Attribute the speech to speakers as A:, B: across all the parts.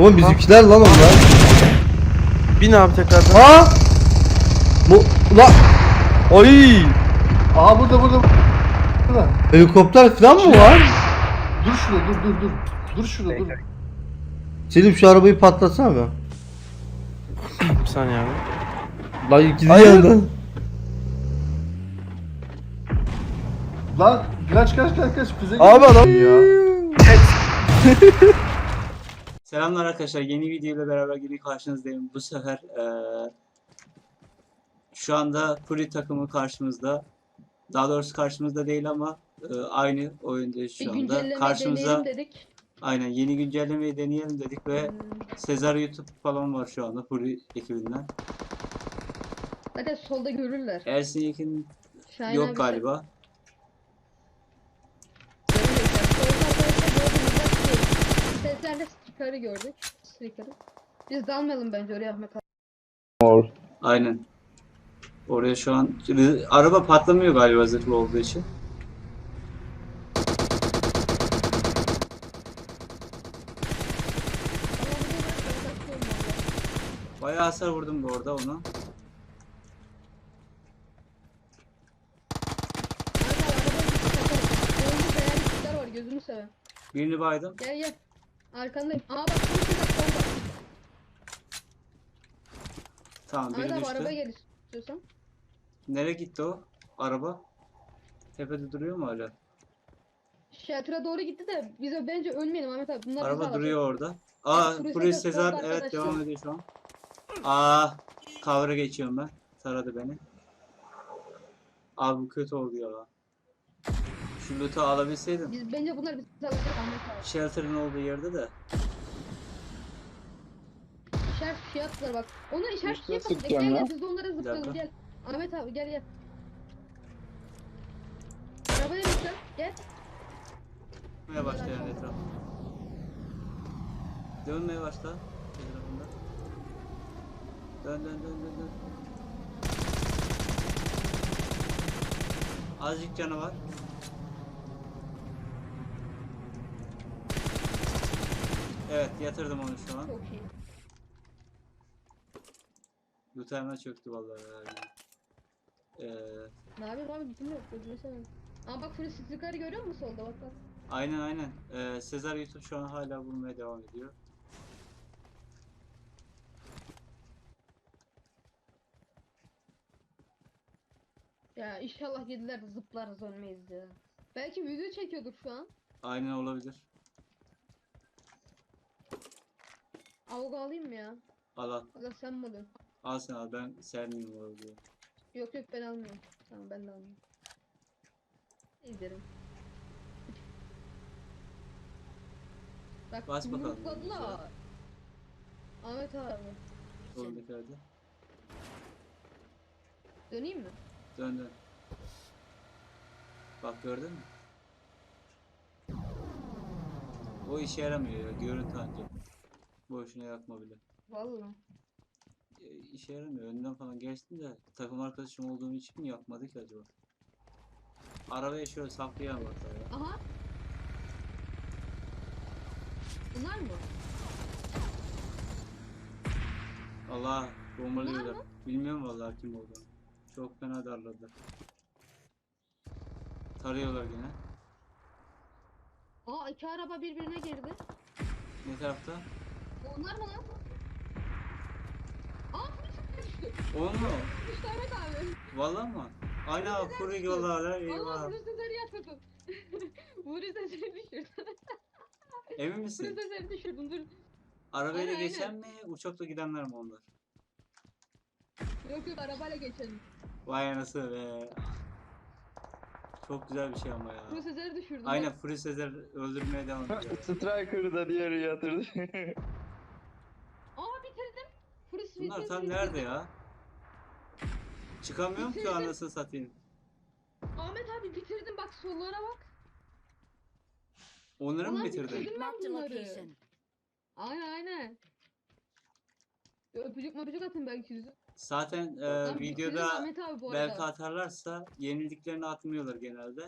A: Oğlum bizimkiler lan onlar.
B: Bin abi tekrardan.
A: Ha? Bu la ay
C: Aha burada.
A: helikopter falan mı var?
C: Dur şurada dur. Dur şurada dur.
A: Selim şu arabayı patlatsana be.
B: Bir saniye abi.
A: Lan gidiyor
B: Hayır.
A: yandan.
C: Lan kaç füze
B: Abi adam.
C: ya.
D: Selamlar arkadaşlar. Yeni video ile beraber yine karşınızdayım. Bu sefer şu anda Fury takımı karşımızda. Daha doğrusu karşımızda değil ama aynı oyundayız şu anda.
E: Güncelleme
D: Karşımıza
E: deneyelim dedik.
D: aynen yeni güncellemeyi deneyelim dedik ve Sezar YouTube falan var şu anda Fury ekibinden.
E: Zaten solda görürler.
D: Ersin Yekin
E: Şahin
D: yok
E: abi
D: galiba.
E: Seslerle stiker'i gördük. Stiker'i. Biz de almayalım bence oraya Ahmet abi.
D: Aynen. Oraya şu an araba patlamıyor galiba zırhlı olduğu için. Bayağı hasar vurdum bu arada ona.
E: Var gözünü seveyim.
D: Birini baydım.
E: Gel. Arkandayım. Aa bak solda.
D: Tamam biri
E: Ahmet abi
D: düştü.
E: araba gel istiyorsan.
D: Nereye gitti o araba? Tepede duruyor mu hala?
E: Shelter'a doğru gitti de biz bence ölmeyelim Ahmet abi. Bunlar bizi
D: Araba
E: alacak.
D: duruyor orada. Aa,
E: Fury
D: Fury
E: Sezar
D: Sezar
E: solda
D: evet
E: arkadaşlar.
D: devam ediyor şu an. Aa, cover'a geçiyorum ben. Taradı beni. Abi bu kötü oldu ya lan. Şu loot'u alabilseydim.
E: Biz bence bunlar bizi alacak Ahmet abi.
D: Shelter'ın olduğu yerde de.
E: İşaret fiyat var bak. Ona işaret
F: Üstüne
E: fiyat var.
F: sıkacağım
E: Gel
F: ya.
E: biz de onlara
D: dakika.
E: zıplayalım gel. Ahmet abi gel. Arabaya bineceğim. Gel.
D: Dönmeye başla yani etraf. Dönmeye başla. Etrafında. Dön. Azıcık canı var. Evet yatırdım onu şu an.
E: Çok iyi.
D: Loot hemen çöktü vallahi.
E: Ne yapayım abi bilmiyorum. Gözünü seveyim. Aa bak Fury Striker'ı görüyor musun solda bak.
D: Aynen. Sezar YouTube şu an hala bulmaya devam ediyor.
E: Ya inşallah yediler de zıplarız ölmeyiz ya. Belki video çekiyordur şu an.
D: Aynen olabilir.
E: Avga alayım mı ya?
D: Al.
E: Ya da sen mi alıyorsun?
D: Al sen al ben sermeyeyim o diyor.
E: Yok ben almıyorum. Tamam ben de almıyorum. İzlerim. Bak
D: Bas bakalım.
E: yumrukladılar. Ahmet abi.
D: Oradaki hadi.
E: Döneyim mi?
D: Dön. Bak gördün mü? O işe yaramıyor ya. Görüntü ancak. Boşuna yakma bile.
E: Vallahi.
D: İşe yaramıyor. Önden falan geçtim de takım arkadaşım olduğum için mi yakmadı ki acaba? Arabaya şöyle saklayalım hatta ya.
E: Aha. Bunlar mı?
D: Allah bombalıyorlar.
E: Bunlar mı?
D: Bilmiyorum vallahi kim olduğunu. Çok fena darladılar. Tarıyorlar yine.
E: Aa iki araba birbirine girdi.
D: Ne tarafta?
E: Onlar mı lan? Aa düştü.
D: O mu?
E: Düştü Ahmet abi.
D: Vallahi mı? Aynen Fury yollarlar.
E: Allah
D: Eyvah.
E: Fury Sezer'i yatırdım. Fury Sezer'i düşürdüm.
D: Emin
E: Fury
D: misin?
E: Sezer'i düşürdüm dur.
D: Arabayla
E: Aynen.
D: geçen mi? Uçakla gidenler mi onlar?
E: Yok arabayla geçelim.
D: Vay anası be. Çok güzel bir şey ama ya.
E: Fury Sezer'i düşürdüm.
D: Aynen
E: Bak.
D: Fury Sezer öldürmeye devam ediyor.
F: Striker'ı da diğeri yatırdı.
E: Aa bitirdim. Fury
D: Bunlar
E: Sezer'i
D: tam nerede ya? Çıkamıyorum ki anasını satayım.
E: Ahmet abi bitirdim bak sollara bak.
D: Onları mı
E: Ulan
D: bitirdin?
E: bitirdim ben
G: Marked a
E: bunları.
G: location.
E: Aynen. Öpücük möpücük atın belki yüzü.
D: Zaten
E: Lan bitirdim
D: videoda
E: Ahmet abi bu
D: belki
E: arada.
D: atarlarsa yenildiklerini atmıyorlar genelde.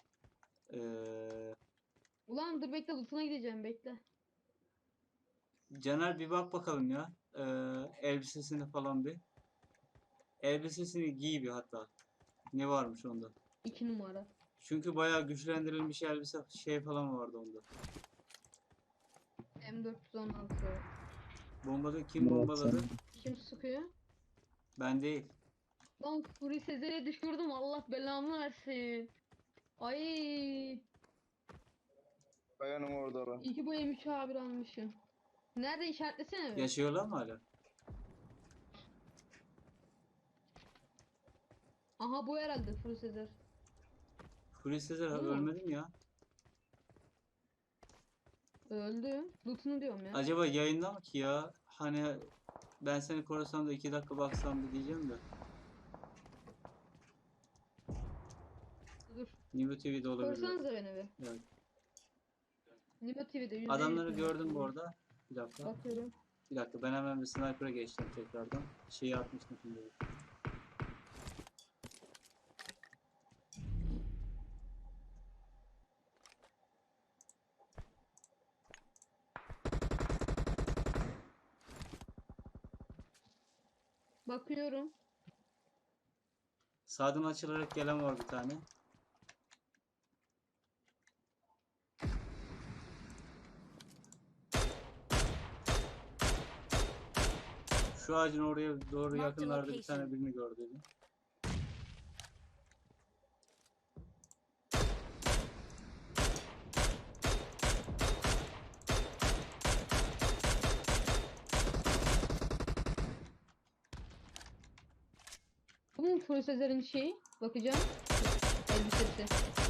E: Ulan dur bekle lootuna gideceğim bekle.
D: Caner bir bak bakalım ya. Elbisesini falan bir. Elbisesini giy bir hatta. Ne varmış onda?
E: 2 numara.
D: Çünkü bayağı güçlendirilmiş elbise şey falan vardı onda.
E: M416.
D: Kim bombaladı?
E: Kim sıkıyor?
D: Ben değil.
E: Lan Fury Sezer'e düşürdüm. Allah belamı versin. Ay.
F: Kayanın orada lan.
E: İyi ki bu M3 A1 almışım. Nerede işaretlesene mi?
D: Yaşıyorlar mı hala?
E: Aha bu herhalde Fury Sezer.
D: Hulusi Sezer
E: Bu mu?
D: ölmedi mi ya?
E: Öldü. Loot'unu diyorum ya.
D: Acaba yayında mı ki ya? Hani ben seni korusam da 2 dakika baksam da diyeceğim de.
E: Dur.
D: Nibu TV'de olabilir.
E: Korsanıza beni bir.
D: Evet.
E: Nimo TV'de %100
D: Adamları
E: dinliyorum.
D: gördüm bu arada. Bir dakika.
E: Bakıyorum.
D: Bir dakika ben hemen bir sniper'a geçtim tekrardan. Şeyi atmıştım şimdi.
E: Bakıyorum.
D: Sağdan açılarak gelen var bir tane. Şu ağacın oraya doğru yakınlarda bir tane birini gördüm.
E: Bu mu Fury Sezer'in şeyi? Bakacağım. Elbisesi.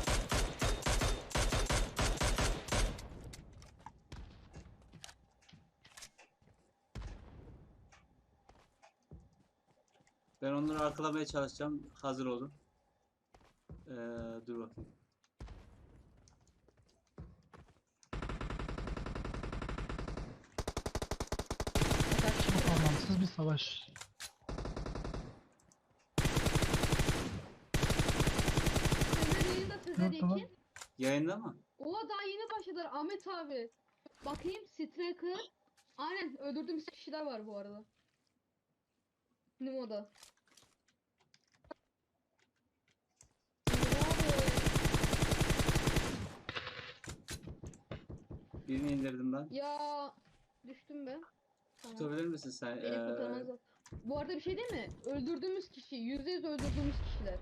D: Ben onları arkalamaya çalışacağım. Hazır olun. Dur bakayım.
G: Çok anlamsız bir savaş.
E: Sezer yayında Sezer
G: Yok, tamam.
E: Yekin.
D: Yayında mı?
E: Oha daha yeni başladılar Ahmet abi. Bakayım Striker. Aynen öldürdüğümüz kişiler var bu arada. Nimo'da.
D: Birini indirdim ben.
E: Ya düştüm ben. Tamam.
D: Tutabilir misin sen?
E: Beni kurtaramazlar. Bu arada bir şey değil mi? Öldürdüğümüz kişi, %100 öldürdüğümüz kişiler.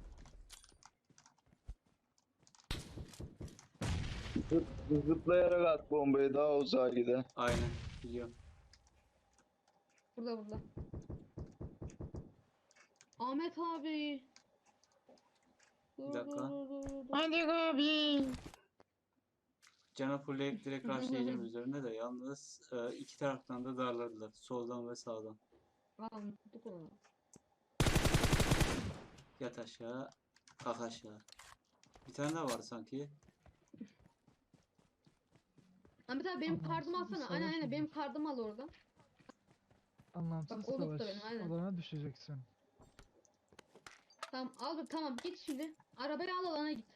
F: Zıplayarak at bombayı daha uzağa gider.
D: Aynen. Biliyorum.
E: Burada. Ahmet abi.
D: Bir dakika.
E: Dur.
G: Hadi abi.
D: Cana fullleyip direkt rushlayacağım üzerine de yalnız iki taraftan da darladılar. Soldan ve sağdan.
E: Anladık onu.
D: Yat aşağı. Kalk aşağı. Bir tane daha var sanki.
E: Ahmet abi benim
G: Anlamsız
E: kardımı
G: bir
E: alsana.
G: savaş
E: Aynen
G: oldu.
E: benim kardımı al oradan.
G: Anlamsız
E: Bak, o loot da
G: savaş.
E: benim, aynen.
G: Alana düşeceksin.
E: Tamam git şimdi. Arabayı al alana git.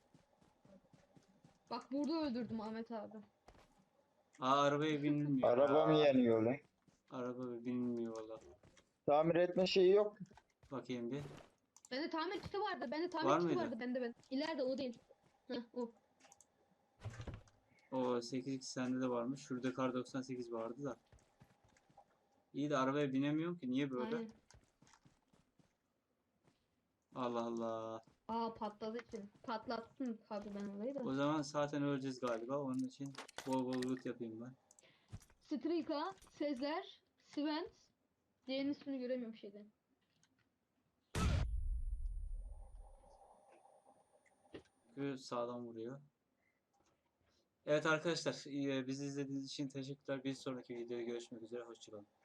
E: Bak burada öldürdüm Ahmet abi.
D: Arabaya binilmiyor.
F: Araba mı yanıyor lan?
D: Araba binilmiyor valla.
F: Tamir etme şeyi yok.
D: Bakayım bir.
E: Bende tamir kiti vardı.
D: Var mıydı?
E: Bende. İleride o değil. Heh o.
D: O 8x sende de varmış. Şurada kar 98 vardı da. İyi de arabaya binemiyorum ki. Niye böyle?
E: Aynen.
D: Allah Allah.
E: Patladı için. Patlattın tabii ben olayı da.
D: O zaman zaten öleceğiz galiba. Onun için bol bol loot yapayım ben.
E: Strika, Sezer, Svent. Diğerinin ismini göremiyorum şeyden.
D: Çünkü sağdan vuruyor. Evet arkadaşlar, bizi izlediğiniz için teşekkürler. Bir sonraki videoda görüşmek üzere. Hoşçakalın.